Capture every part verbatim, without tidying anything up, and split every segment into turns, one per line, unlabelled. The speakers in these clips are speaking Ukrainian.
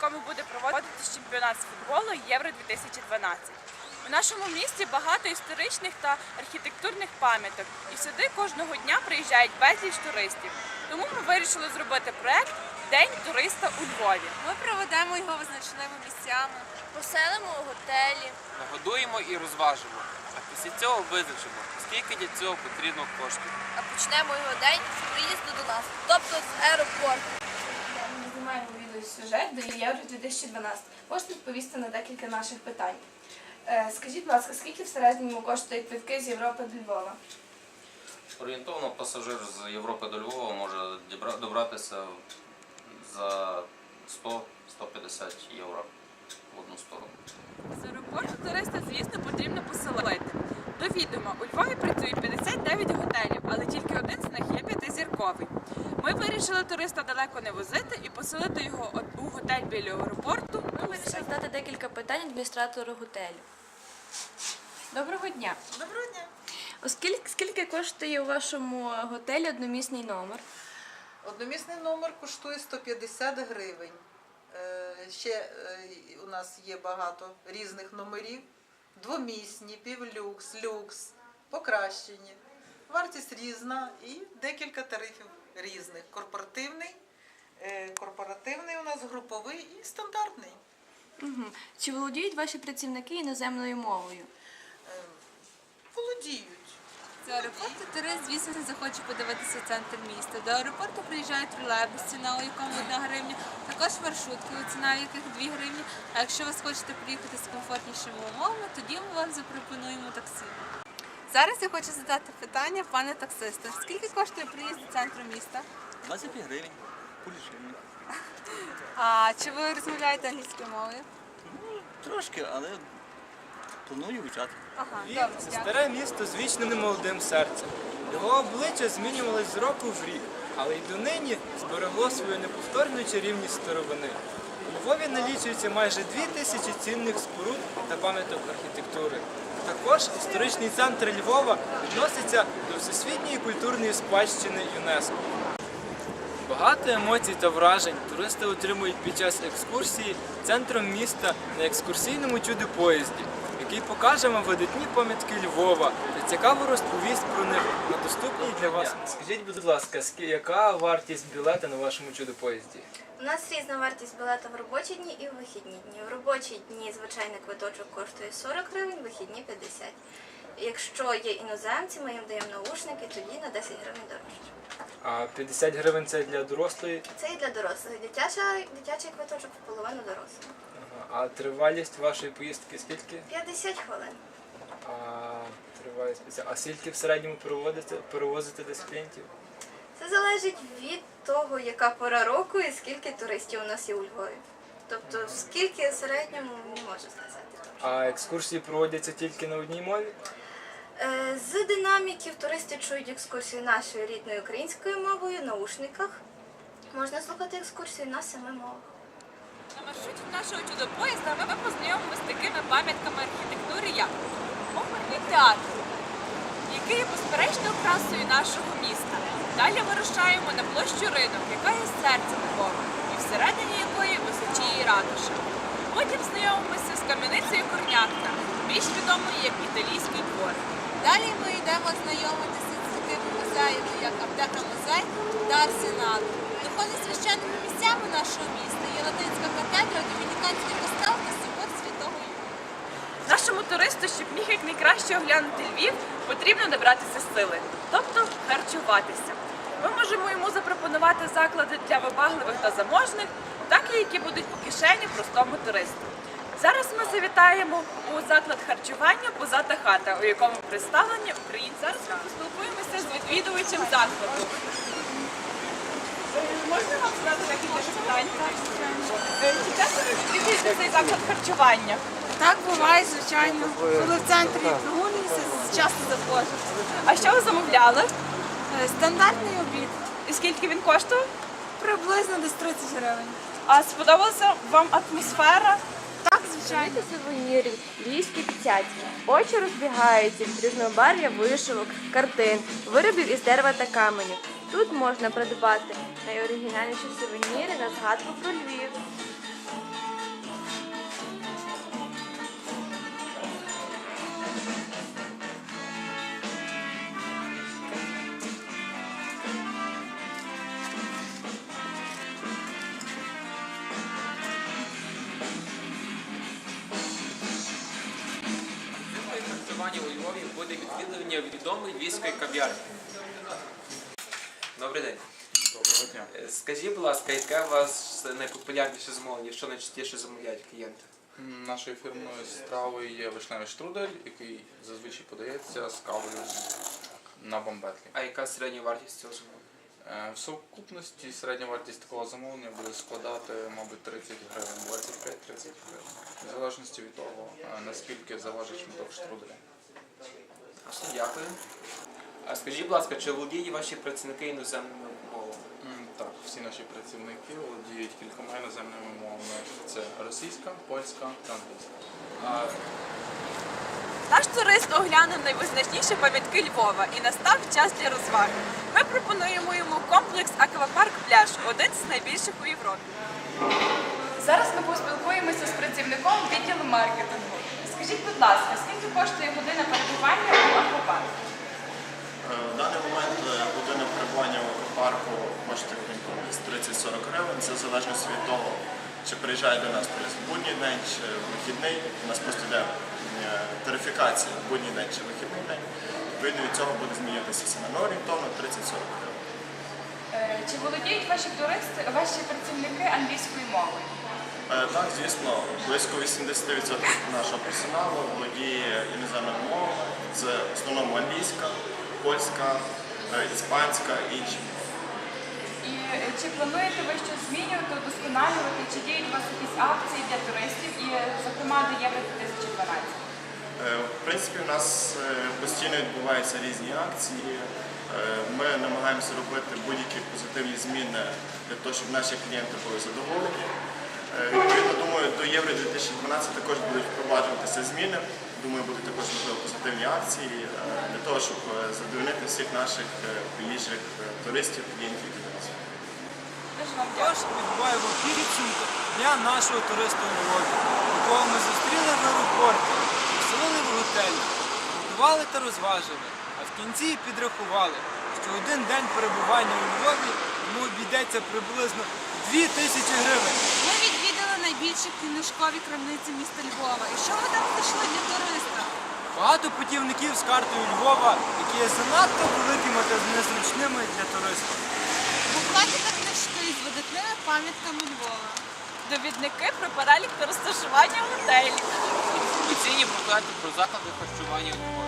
якому буде проводитись чемпіонат з футболу Євро дві тисячі дванадцять. У нашому місті багато історичних та архітектурних пам'яток, і сюди кожного дня приїжджають безліч туристів. Тому ми вирішили зробити проект «День туриста у Львові».
Ми проведемо його визначними місцями,
поселимо у готелі,
Нагодуємо і розважимо, а після цього визначимо, скільки для цього потрібно коштів.
а почнемо його день з приїзду до нас, тобто з аеропорту.
Ми знімаємо відеосюжет до Євро дві тисячі дванадцять. Можете відповісти на декілька наших питань. Е, Скажіть, будь ласка, скільки в середньому коштують квитки з Європи до Львова?
Орієнтовно пасажир з Європи до Львова може дібра- добратися за сто - сто п'ятдесят євро в одну сторону.
З аеропорту туриста, звісно, потрібно поселити. До відома, у Львові працює п'ятдесят дев'ять готелів, але тільки один з них є п'ятизірковий. Ми вирішили туриста далеко не возити і поселити його у готель біля аеропорту.
Ми вирішили задати декілька питань адміністратору готелю.
Доброго дня!
Доброго дня.
Оскільки скільки коштує у вашому готелі одномісний номер?
Одномісний номер коштує сто п'ятдесят гривень. Е, Ще е, у нас є багато різних номерів. Двомісні, півлюкс, люкс, покращені. Вартість різна і декілька тарифів різних. Корпоративний, е, корпоративний у нас груповий і стандартний.
Угу. Чи володіють ваші працівники іноземною мовою?
Е, Володіють.
З аеропорту турист, звісно, захоче подивитися центр міста. До аеропорту приїжджають тролейбус, ціна у якому одна гривня, також маршрутки, ціна яких дві гривні. А якщо ви хочете приїхати з комфортнішими умовами, тоді ми вам запропонуємо таксі. Зараз я хочу задати питання пане таксисту. Скільки коштує приїзд до центру міста?
двадцять п'ять гривень. Кулішевник.
А чи ви розмовляєте англійською мовою?
Трошки, але планую вивчати.
Ага,
Львів
добре,
– це
дякую.
старе місто з вічним немолодим серцем. Його обличчя змінювалось з року в рік, але й донині зберегло свою неповторну чарівність старовини. У Львові налічується майже дві тисячі цінних споруд та пам'яток архітектури. Також історичний центр Львова відноситься до Всесвітньої культурної спадщини ЮНЕСКО. Багато емоцій та вражень туристи отримують під час екскурсії центром міста на екскурсійному чудо-поїзді, який покаже вам видатні пам'ятки Львова та цікаво розповість про них на доступній для вас. Скажіть, будь ласка, яка вартість білета на вашому чудо-поїзді?
У нас різна вартість білета в робочі дні і в вихідні дні. В робочі дні звичайний квиточок коштує сорок гривень, в вихідні п'ятдесят. Якщо є іноземці, ми їм даємо наушники, тоді на десять гривень дорожче.
А п'ятдесят гривень це для дорослої,
Це і для дорослих. Дитяча, дитячий квиточок в половину дорослого.
а тривалість вашої поїздки скільки?
п'ятдесят хвилин.
А тривалість спеціально. А скільки в середньому перевозите, перевозите десь клієнтів?
Це залежить від того, яка пора року і скільки туристів у нас є у Львові. Тобто, скільки в середньому не можу сказати.
А екскурсії проводяться тільки на одній мові?
Е, З динаміків туристи чують екскурсії нашою рідною українською мовою, наушниках. Можна слухати екскурсії на семи мовах.
На маршруті нашого чудо-поїзда ми познайомимося з такими пам'ятками архітектури, як оперний театр, який є безперечною красою нашого міста. Далі вирушаємо на площу Ринок, яка є серцем Львова, і всередині якої височіє ратуша. Потім знайомимося з кам'яницею Корнятка, більш відомою як Італійський двор.
Далі ми йдемо знайомитися з такими музеями, як Аптека музей та Арсенал. Духовно священними місцями нашого міста є Латинська катедра, Домініканський костел та собор Святого Юрія.
Нашому туристу, щоб міг якнайкраще оглянути Львів, потрібно набратися сили, тобто харчуватися. Ми можемо йому запропонувати заклади для вибагливих та заможних, так і які будуть по кишені простому туристу. Зараз ми завітаємо у заклад харчування «Пузата хата», у якому представлені українці. Зараз ми поспілкуємося з відвідувачем закладу. Можна вам задати декілька питань? Е, Чи часто ви відвідуєте цей заклад харчування?
Так буває, звичайно. Коли в центрі прогулююся, часто заходжу.
А що ви замовляли?
Е, Стандартний обід.
І скільки він коштував?
Приблизно десь тридцять гривень.
А сподобалася вам атмосфера?
Так, звичайно.
Сувенірів, львівські п'ятдесятки. Очі розбігаються від різнобарв'я вишивок, картин, виробів із дерева та каменю. Тут можна придбати найоригінальніші сувеніри на згадку про Львів.
буде відвідування відомої львівської кав'ярні. Добрий день.
Доброго дня.
Е, Скажіть, будь ласка, яке у вас найпопулярніше замовлення, що найчастіше замовляють клієнти?
М, Нашою фірмовою стравою є вишневий штрудель, який зазвичай подається з кавою на бомбетлі.
А яка середня вартість цього замовлення?
Е, В сукупності середня вартість такого замовлення буде складати, мабуть, тридцять гривень, двадцять п'ять - тридцять гривень. В залежності від того, е, наскільки заважить шматок штруделя.
Ясно, дякую. А скажіть, будь ласка, чи володіють ваші працівники іноземними мовами?
М, Так, всі наші працівники володіють кількома іноземними мовами. Це російська, польська та англійська.
А,
Наш турист оглянув найвизначніші пам'ятки Львова і настав час для розваги. Ми пропонуємо йому комплекс Аквапарк Пляж, один з найбільших у Європі.
Зараз ми поспілкуємося з працівником відділу маркетингу. Скажіть, будь ласка, скільки коштує година перебування у аквапарку?
В даний момент е, година перебування в аквапарку коштує десь тридцять-сорок гривень. Це в залежності від того, чи приїжджає до нас турист в будній день, чи в вихідний. У нас просто йде е, тарифікація в будній день чи вихідний день. Відповідно від цього буде змінюватися ціна. Ну, орієнтовно тридцять-сорок гривень.
Е, Чи володіють ваші туристи, ваші працівники англійською мовою?
Е, Так, звісно, близько вісімдесят відсотків нашого персоналу володіє іноземними мовами. Це в основному англійська, польська, е, іспанська і інші.
І е, чи плануєте ви щось змінювати, удосконалювати, чи діють у вас якісь акції для туристів і, зокрема, до Євро дві тисячі дванадцять?
Е, В принципі, у нас е, постійно відбуваються різні акції. Е, Ми намагаємося робити будь-які позитивні зміни для того, щоб наші клієнти були задоволені. Е, Відповідно, думаю, до Євро дві тисячі дванадцять також будуть впроваджуватися зміни. Думаю, будуть також можливо позитивні акції е, для того, щоб е, задовольнити всіх наших е, приїжджих е, туристів, клієнтів, які до нас.
Дуже вам
Тож підбуваємо підсумки дня нашого туриста у Львові, якого ми зустріли в аеропорті, поселили в готелі, готували та розважили, а в кінці підрахували, що один день перебування у Львові йому обійдеться приблизно дві тисячі гривень.
Ми відвідали найбільші книжкові крамниці міста Львова. І що ми там знайшли для туриста?
Багато путівників з картою Львова, які є занадто великими та незручними для туристів.
Буклети та книжки з видатними пам'ятками Львова.
Довідники про перелік та розташування готелів.
офіційні буклети про заклади харчування у Львові.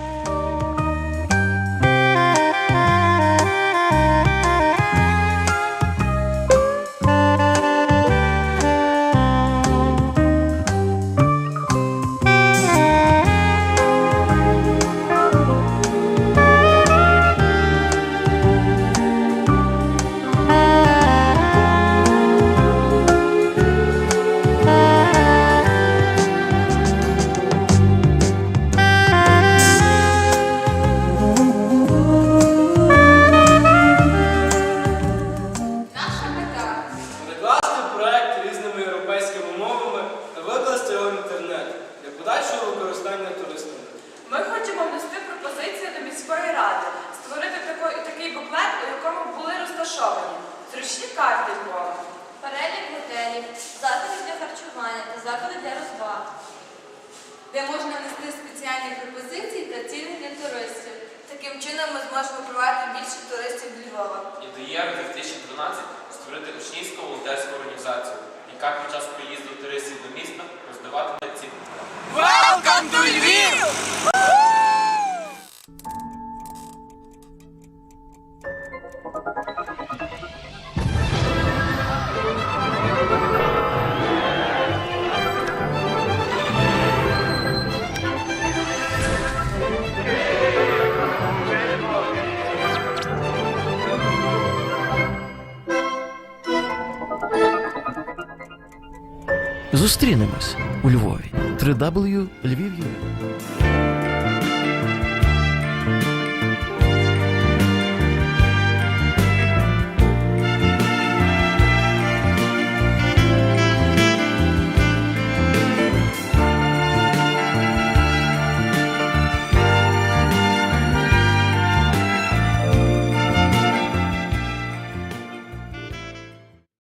Перекласти проект різними європейськими мовами та викласти його в інтернет для подальшого використання туристами.
Ми хочемо внести пропозицію до міської ради, створити тако- такий буклет, у якому були розташовані зручні карти Львова,
Перелік готелів, закладів для харчування та заклади для розваг.
Де можна внести спеціальні пропозиції та ціни для туристів.
Таким чином ми зможемо привати більше туристів до Львова.
І до Євро дві тисячі дванадцять створити учнівську волонтерську організацію, яка під час приїзду туристів до міста роздаватиме ці
Welcome to Lviv!
Зустрінемось у Львові. три дабл ю Львів.ю